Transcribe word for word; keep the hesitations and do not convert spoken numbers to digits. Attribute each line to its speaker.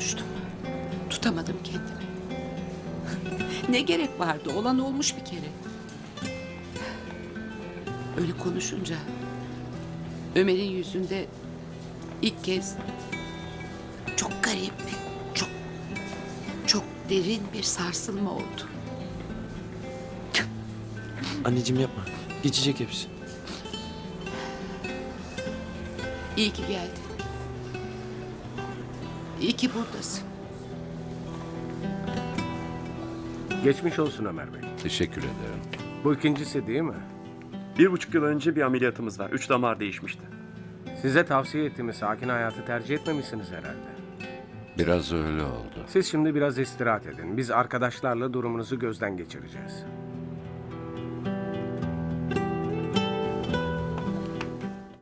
Speaker 1: konuştum. Tutamadım kendimi. Ne gerek vardı? Olan olmuş bir kere. Öyle konuşunca Ömer'in yüzünde ilk kez çok garip, çok çok derin bir sarsılma oldu.
Speaker 2: Anneciğim yapma. Geçecek hepsi.
Speaker 1: İyi ki geldin. İyi ki buradasın.
Speaker 3: Geçmiş olsun Ömer Bey.
Speaker 4: Teşekkür ederim.
Speaker 3: Bu ikincisi değil mi?
Speaker 5: Bir buçuk yıl önce bir ameliyatımız var. Üç damar değişmişti.
Speaker 3: Size tavsiye ettiğimiz sakin hayatı tercih etmemişsiniz herhalde.
Speaker 4: Biraz öyle oldu.
Speaker 3: Siz şimdi biraz istirahat edin. Biz arkadaşlarla durumunuzu gözden geçireceğiz.